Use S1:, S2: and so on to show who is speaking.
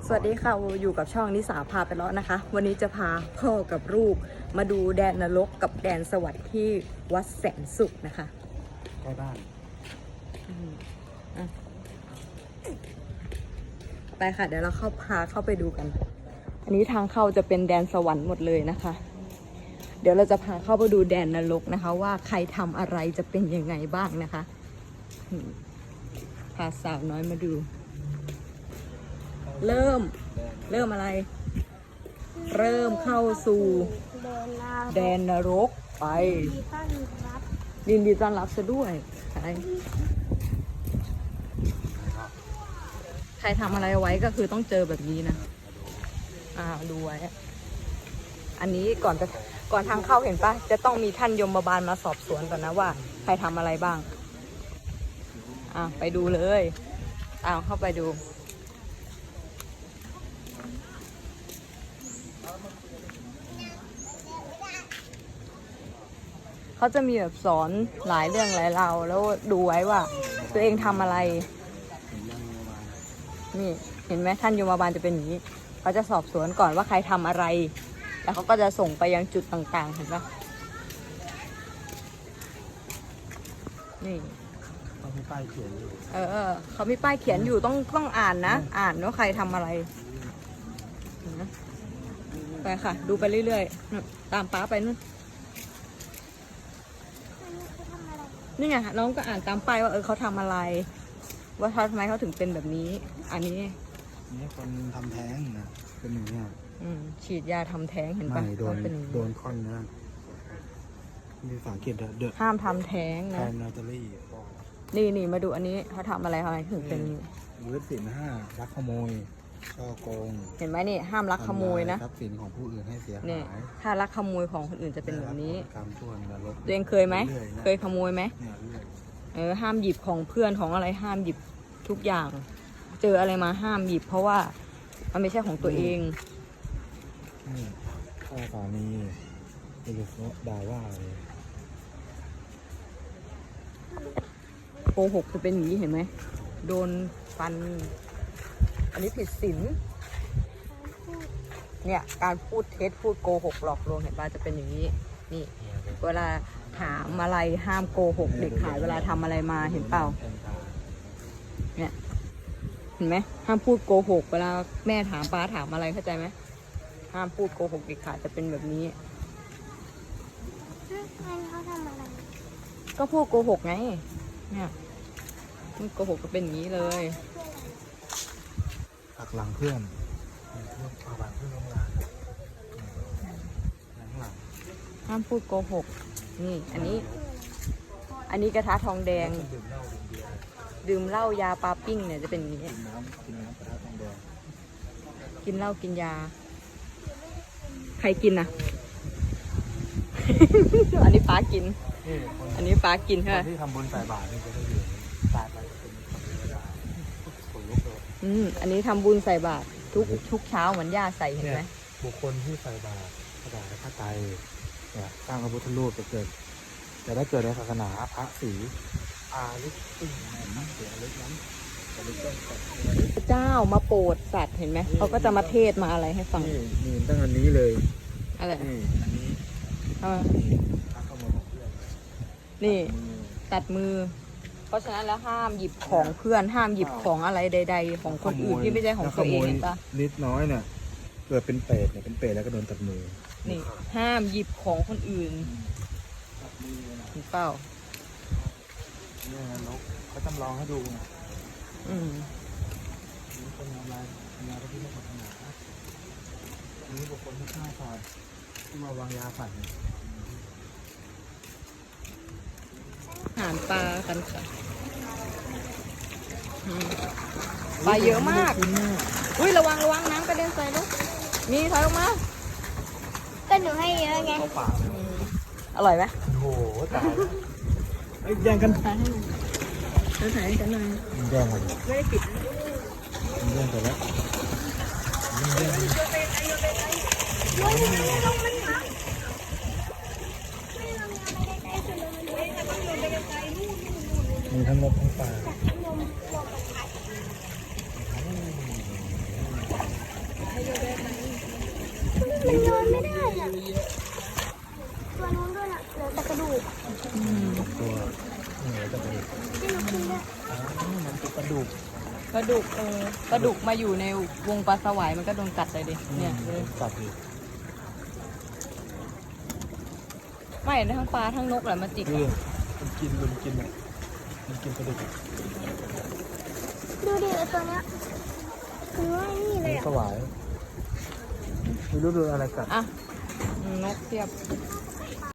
S1: สวัสดีค่ะอยู่กับช่องนิสาพาไปเลาะนะคะวันนี้จะพาพ่อกับลูกมาดูแดนนรกกับแดนสวรรค์ที่วัดแสนสุขนะคะ
S2: ใกล้บ้าน
S1: ไปค่ะเดี๋ยวเราพาเข้าไปดูกันอันนี้ทางเข้าจะเป็นแดนสวรรค์หมดเลยนะคะเดี๋ยวเราจะพาเข้าไปดูแดนนรกนะคะว่าใครทำอะไรจะเป็นยังไงบ้างนะคะพาสาวน้อยมาดูเริ่มอะไรเริ่มเข้าสู่แดนนรกไปยินดีต้อนรับซะด้วยใครทำอะไรไว้ก็คือต้องเจอแบบนี้นะดูไว้อันนี้ก่อนทางเข้าเห็นปะจะต้องมีท่านยมบาลมาสอบสวนก่อนนะว่าใครทำอะไรบ้างไปดูเลยเข้าไปดูเขาจะมีแบบสอนหลายเรื่องหลายราวแล้วดูไว้ว่าตัวเองทำอะไรนี่เห็นไหมท่านยมบาลจะเป็นอย่างนี้เขาจะสอบสวนก่อนว่าใครทำอะไรแล้วเขาก็จะส่งไปยังจุดต่างๆเห็นปะนี่
S2: เขามีป้ายเขียนอยู่
S1: เขามีป้ายเขียนอยู่ต้องอ่านนะอ่านว่าใครทำอะไรไปค่ะดูไปเรื่อยๆตามป้าไปนู่นนี่ไงน้องก็อ่านตามป้ายว่าเขาทำอะไรว่าทำไมเขาถึงเป็นแบบนี้อันนี้
S2: คนทำแท้งนะเป็นอย่างนี้
S1: ฉีดยาทำแท้งเห็นปะ
S2: โดนคอนนะมีฝาเขียนเดอะ
S1: ห้ามทำแท้งนะ
S2: นาตาลี
S1: นี่มาดูอันนี้เขาทำอะไรถึงเป็น
S2: ยึดสินห้าลักขโมยช่อโกง
S1: เห็นไหมนี่ห้ามลักขโมยนะ
S2: ทรัพย์สินของผู้อื่นให้เสียหาย
S1: ถ้าลักขโมยของคนอื่นจะเป็นแบบนี้ตัวเองเคยไหมเคยขโมยไหมห้ามหยิบของเพื่อนของอะไรห้ามหยิบทุกอย่างเจออะไรมาห้ามหยิบเพราะว่ามันไม่ใช่ของตัวเอง
S2: ข้าสามีเป็นด่าว่าเลย
S1: โกหกจะเป็นอย่างนี้เห็นไหมโดนฟันอันนี้ผิดศีลเนี่ยการพูดเท็จพูดโกหกหลอกลวงเห็นป่ะจะเป็นอย่างนี้นี่เวลาถามอะไรห้ามโกหกเด็กขายเวลาทำอะไรมาเห็นเปล่าเนี่ยเห็นไหมห้ามพูดโกหกเวลาแม่ถามป้าถามอะไรเข้าใจไหมห้ามพูดโกหกเด็กขายจะเป็นแบบนี้
S3: เขาทำอะไร
S1: ก็พูดโกหกไงเนี่ยพูดโกหกก็เป็นอย่างนี้เลย
S2: หักหลังเพื่อนหักหลังเพื่อนล้มละหลัง
S1: ห้ามพูดโกหกนี่อันนี้กระทะทองแดงดื่มเหล้ายาปลาปิ้งเนี่ยจะเป็นอย่างนี้กินเหล้ากินยาใครกินอ่ะ อันนี้ป้ากินอันนี้ป้ากินใช่ไหม
S2: ที่ทำบุญใส่บาตรนี่จะได้อยู่ตายไปเป็นคนลุกเลย
S1: อันนี้ทำบุญใส่บาตรทุกเช้าเหมือนย่าใส่เห็นไหม
S2: บุคคลที่ใส่บาตรถวายพระไตรเนี่ยสร้างพระพุทธรูปจะเกิดจะได้เกิดในศาสนาพระศรีอาลิติน้ำเสียเล็กน้ำ
S1: พระเจ้ามาโปรดสัตว์เห็นไหมเขาก็จะมาเทศมาอะไรให้ฟัง
S2: นี่ตั้งอันนี้เลย
S1: อะไร
S2: นี่
S1: นี่ตัดมือเพราะฉะนั้นแล้วห้ามหยิบของเพื่อนห้ามหยิบของอะไรใดๆของคนอื่นที่ไม่ใช่ของตัวเองเห็นปะ
S2: นิดน้อยเนี่ยเกิดเป็นเปรตเนี่ยเป็นเปรตแล้วก็โดนตัดมือ
S1: นี่ห้ามหยิบของคนอื่นเห็นเปล่า
S2: เนี่ยนกเขาจำลองให้ดูนะนี่คนทำลายพระพุทธศาสนานี่บุคคลที่ฆ่าสัตว์ที่มาวางยาสัตว์
S1: อาหารปลากันค่ะปลาเยอะมากอุ้ยระวังน้ำกระเด็นใส่ลูกนี่ถอยออกมา
S3: ก็หนูให้เยอะไง
S1: อร่อยไหม
S2: โอ้โหตายแย่งกัน
S1: ถ่ายกันหน่อย
S2: แย่งกัน
S1: ไม่ได้ปิด
S2: แย่งกันแล้วมีทั้งนกทั้งปลา
S3: มันโยนไม่ได้อะตัวนู้นด้วยน่ะเหลือแต่กระดูก
S2: ตัวเหนือจะเป็น
S3: ให้นกกินด้วย
S2: มันคือกระดูก
S1: ปลาดุกปลาดุกมาอยู่ในวงปลาสวายมันก็โดนกัดเลยดิเนี่ยเลย
S2: กัดอีก
S1: ไม่ทั้งปลาทั้งนกแหละมาจิก
S2: คือมันกินอ่ะมันกินกระดูก
S3: ดูดิไอ้ตัวเนี้ยคือว่านี่เลยอ่ะ
S2: สวายไม่รู้ดูอะไรกัด
S1: อ่ะนกเทียบ